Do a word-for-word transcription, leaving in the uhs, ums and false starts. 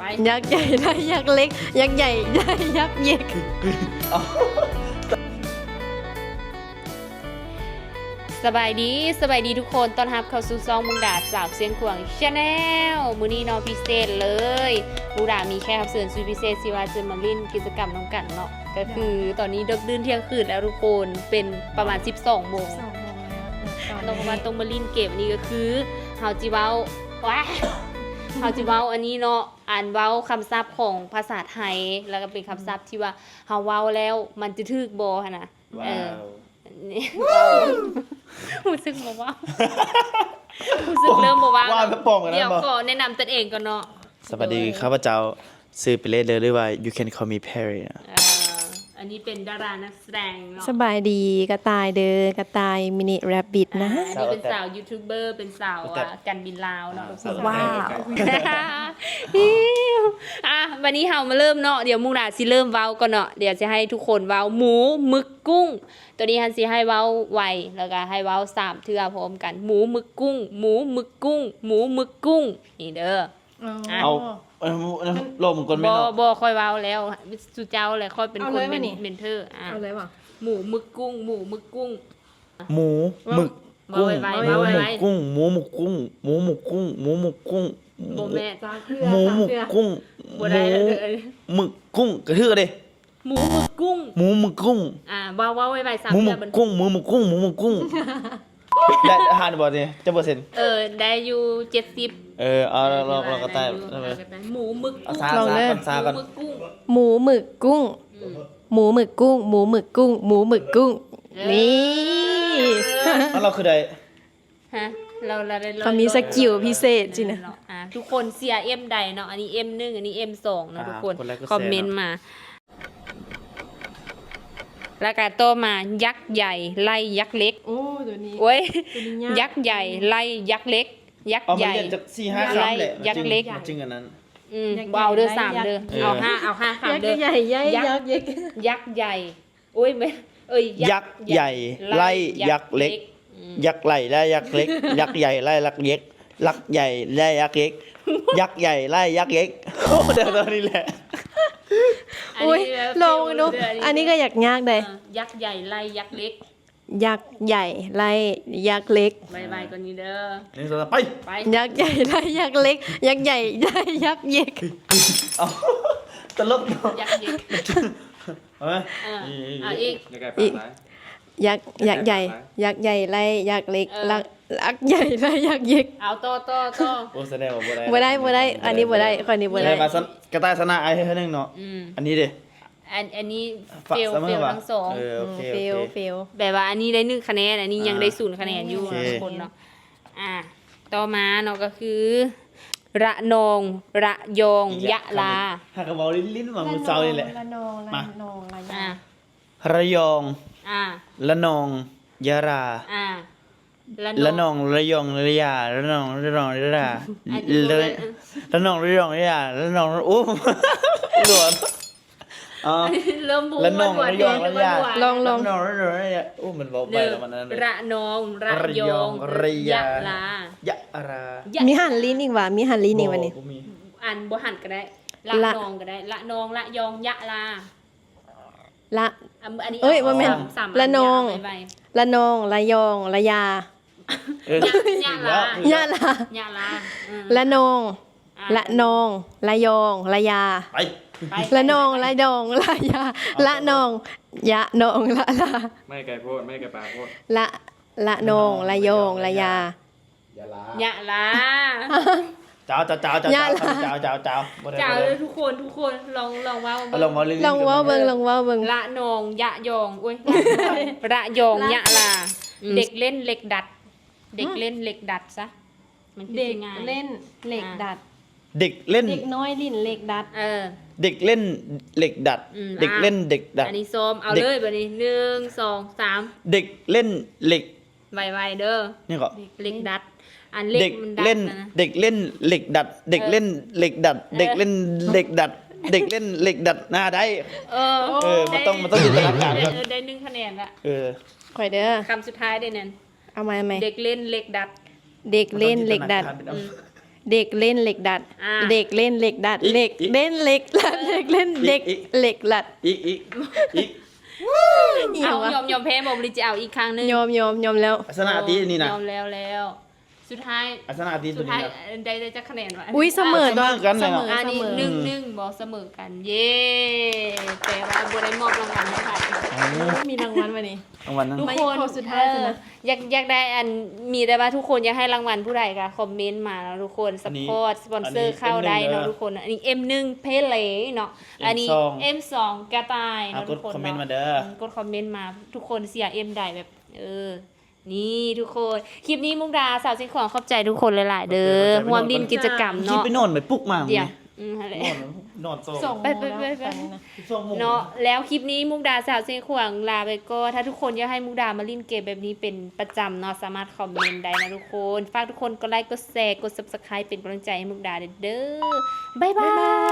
ยักษ์ใหญ่ไล่ยักษ์เล็ก ยักษ์ใหญ่ไล่ยักษ์เย็กสบายดีสบายดีทุกคนต้อนรับเข้าสู่ซองมุงดาสาวเสียงขวางชาแนลมื้อนี้น้องพิเศษเลยมุงดามีแค่รับเชิญสุดพิเศษสิว่าจะมาเล่นกิจกรรมน้องกันเนาะก็คือตอนนี้ดึกดื่นเที่ยงคืนแล้วทุกคนเป็นประมาณสิบสองโมงต้องมาต้องมาเล่นเกมนี้ก็คือเฮาจิเว้าว้าเฮาจิเว้าอันนี้เนาะอ่านเว้าคำศัพท์ของภาษาไทยแล้วก็เป็นคำศัพท์ที่ว่าเฮาเว้าแล้วมันจะถูกบ่หั่นน่ะเออนี่รู้สึกบ่ว่ารู้สึกเริ่มบ่ว่าว่าแล้วป้องกันนะเดี๋ยวขอแนะนำตนเองก่อนเนาะสวัสดีข้าพเจ้าซื้อไปเล่นเลยหรือว่า you can call me Perry นะเอ่ออันนี้เป็นดารานักแสดงเนาะสบายดีกระต่ายเด้อกระต่ายมินิแรบบิทนะอันนี้เป็นสาวยูทูบเบอร์เป็นสาวอ่ะกันบินลาวเนาะว้าวอ่ะวันนี้เฮามาเริ่มเนาะเดี๋ยวมุกดาสิเริ่มเว้าก่อนเนาะเดี๋ยวจะให้ทุกคนเว้าหมูหมึกกุ้ง ตัวนี้ฮันสิให้เว้าไวแล้วก็ให้เว้าสามเทื่อพร้อมกันหมูหมึกกุ้ง หมูหมึกกุ้ง หมูหมึกกุ้งนี่เด้อเอาเอาโลกมึงกลไม่บ่เนาะบ่ค่อยเว้าแล้วสุเจ้าแหละค่อยเป็นเอาคเลนยเป็วะนนี่เมนเทอร์อ่ะเอาเลยว่ะหมูหมึกกุ้ง หมูหมึกกุ้งหมูหมึกเว้ากุ้งไวหๆมูเว้าหมึไวกกุ้งหมูหมึกกุ้งหมูหมึกกุ้งหมูหมึกกุ้งๆบ่แม่จ้าเครือหมูหมึกกุ้งบ่ได้เด้อหมึกกุ้งกระทือเลยหมูหมึกกุ้งหมูหมึกกุ้งอ่าเว้าเว้าไวๆสามหมูหมึเทื่อก มันกุ้งหมูหมึกกุ้งหมูหมึกกุ้งได้อาหารบ่เนี่ยจะเปอร์เซ็นต์เออได้อยู่เจ็ดสิบเออเอาเราเราเราก็ได้หมูหมึกเอากุ้งซาซาก่อนซาก่อนหมูหมึกกุ้งหมูหมึกกุ้ง หมูหมึกกุ้ง หมูหมึกกุ้ง หมูหมึกกุ้ง นี่แล้วเราคือใดฮะเราเราได้เขามีสกิลพิเศษจริงนะอ่าทุกคนเสีย M ใดเนาะอันนี้ เอ็ม หนึ่งอันนี้ เอ็ม สองเนาะทุกคนคนแรกก็คอมเมนต์มา แล้วก็ต่อมายักษ์ใหญ่ไล่ยักษ์เล็กโอ้ตัวนี้โอ้ยตัวนี้ยักษ์ใหญ่ไล่ยักษ์เล็ก ยักษ์เอาใหมาญ่เรียนจากสี่ห้าคำแหละยักษ์เล็กมันจึงอันนั้นอืมเอาเด้อสามเด้อเออเอาห้าเอาห้ายักคำเด้อษ์ใหญ่ใหญ่ยักษ์ยักษ์เย็กยักษ์ใหญ่โอ้ยไม่เอ้ยยักษ์ใหญ่ไล่ยักษ์เล็กอืมยักษ์ไหลไล่ยักษ์เล็ก ยักษ์ใหญ่ไล่ยักษ์เล็กยักษ์ใหญ่ไล่ยักษ์เล็ก ยักษ์ใหญ่ไล่ยักษ์เล็กโอ้เดี๋ยวตอนนี้แหละอันอุ้ยนี้แบบลองดูอันนี้ก็อยากยากเลยเออยักษ์ใหญ่ไล่ยักษ์เล็กยักษ์ใหญ่ไล่ยักษ์เล็กบายบายตัวนี้เด้อหนึ่งสองสามไปไปยักษ์ใหญ่ไล่ยักษ์เล็ก ยักษ์ใหญ่ไล่ยักษ์เย็กเอาตลกเนาะยักษ์เล็กเอาไหมเออเอาอีกอีกยักษ์ยักษ์ใหญ่ ยักษ์ใหญ่ไล่ยักษ์เล็กเออลักยักษ์ใหญ่ไล่ยักษ์เย็กเอาต่อต่อต่อโอ้แสดงว่าบ่ได้บ่ได้บ่ได้ อันนี้บ่ได้คนนี้บ่บ่ได้ได้มาสนกระต่ายสนะไอ้ให้นึงเนาะอืมอันนี้ดิอันอันนี้ฝากเฟลเสมเฟอลว่ะทั้งสองเออโอเคเฟโอลเคเฟลแบบว่าอันนี้ได้หนึ่งคะแนนอันนี้ยังอ่าได้ศูนย์คะแนนอยู่โอเคทุกคนเนาะอ่ะต่อมาเนาะก็คือ ระนองระยองยะลาหากระบอกลิ้นๆมามือเซานี่แหละละนองมาละนองละยาอ่ะระยองอ่ะละนองยะราอ่ะละนองระยองระยาละนองระนองระยาอันนี้บ่ละแม่นละนองระยองระยาละนองโอ้หลวนอ๋อเริ่มพูดละนองว่าระยองระยาว่าลองลองละนองระยองระยาโอ้มันเบาหไปนึ่งแล้วมันนั้นระนองระยองระยายะลายะรายะมีหันลิ้นอีกว่ะมีหันลิ้นอีกวันนี้บ่มีอันบ่หันก็ได้ละละนองก็ได้ละนองละยองยะลาละอันอันนี้เอ้ยบ่แม่นสามสามละนองยะไปละนองละยองละยาเออยะลายะละยะลาอืมละนองอ่ละนองละยองละยาไปไปละนองละดองละยาละนองยะนองละลาไม่ไกลโพดไม่ไกลปากโพดละละนองละยองละยายะลาเจ้าเจ้าเจ้าเจ้าเจ้าเจ้าเจ้าเจ้าบ่ได้เจ้าบ่เลได้ยทุกคนทุกคนลองลองเว่าเอาลองมาลิ้นๆลองเว่าเบิ่งลองเว่าเบิ่งละนองยะยองอุ้ยระยองยะลาอืมเด็กเล่นเหล็กดัด เด็กเล่นเหล็กดัดซะมันคือเด็กสิง่ายเล่นเหล็กดัดเด็กเล่นเด็กน้อยลิ้นเหล็กดัดเออเด็กเล่นเหล็กดัดอืมเด็กเล่นเด็กดัดอันนี้ส้มเอาเด็กเลยแบบนี้หนึ่งสองสามเด็กเล่นเหล็กไวๆเด้อนี่ก็เหล็กดัด อันเล็เด็กกมันดัดเล่นนะเด็กเล่นเหล็กดัด เด็กเล่นเหล็กดัด เด็กเล่นเหล็กดัด เด็กเล่นเหล็กดัดหน้าได้เออเออมันต้องมันต้องจินตนาการได้ครับเออได้หนึ่งคะแนนละเออข่อยเด้อคำสุดท้ายได้นั่นเอามาไหมเด็กเล่นเหล็กดัดเด็กเล่นเหล็กดัดมันต้องจินตนาการเป็นเอาเด็กเล่นเหล็กดัดอ่าเด็กเล่นเหล็กดัดอีกเด็กอีกเล่นเหล็กดัดเด็กเล่นเด็กอีกเหล็กดัดอีกอีกอีกอีหเอายังวะยอมยอมแพ้บ่บริจะเอาอีกครั้งหนึงยอมยอมยอมแล้วลักษณะที่นี่นะยอมแล้วแล้วสุดท้ายลักษณะที่ตัสุวดนี้ท้ายนะได้ได้จะคะแนนวะอุ้ยเสมอเสมอกันเลยเสเหรมอออันเสนี้มอหนึ่งหนึ่งบอกเสมอกัน เย้แต่ว่าบัได้มอบรางวัลให้ใครมีรางวัลมานี่รางวัลนั้นทุกไม่คนข้อสุดท้ายสินะเอออยากอยากได้อันมีได้ว่าทุกคนอยากให้รางวัลผู้ใดก็คอมเมนต์มาแล้วทุกคนสอันนี้ปอร์ตสปอนเซออันร์นี้เข้าได้เนาะเอ็มหนึ่งทุกคนอันนี้ เอ็ม หนึ่ง เพลเนาะอันนี้เอ็มสองเอ็ม สอง กระต่ายเอาเนาะกทุดกคนคอมเมนต์เนาะมาเด้อกดคอมเมนต์มาทุกคนเสียเอ็มได้แบบ เออ นี่ทุกคนคลิปนี้มุกดาสาวสิงของขอบใจทุกคนหลายๆเด้อห่วมดินกิจกรรมคิดเนาะไปนอนไปปลุกมาเดี๋ยวอืมอะไรนอนนอนโซ่ส่งไปไปไปไปตอนนี้นะสองโมงเนาะแล้วคลิปนี้มุกดาสาวเสียงขวางลาไปก็ถ้าทุกคนอยากให้มุกดามาเล่นเกมแบบนี้เป็นประจำเนาะสามารถคอมเมนต์ได้นะทุกคนฝากทุกคนกดไลค์กดแชร์กด ซับสไครบ์ เป็นกำลังใจให้มุกดาเด้อบ๊ายบาย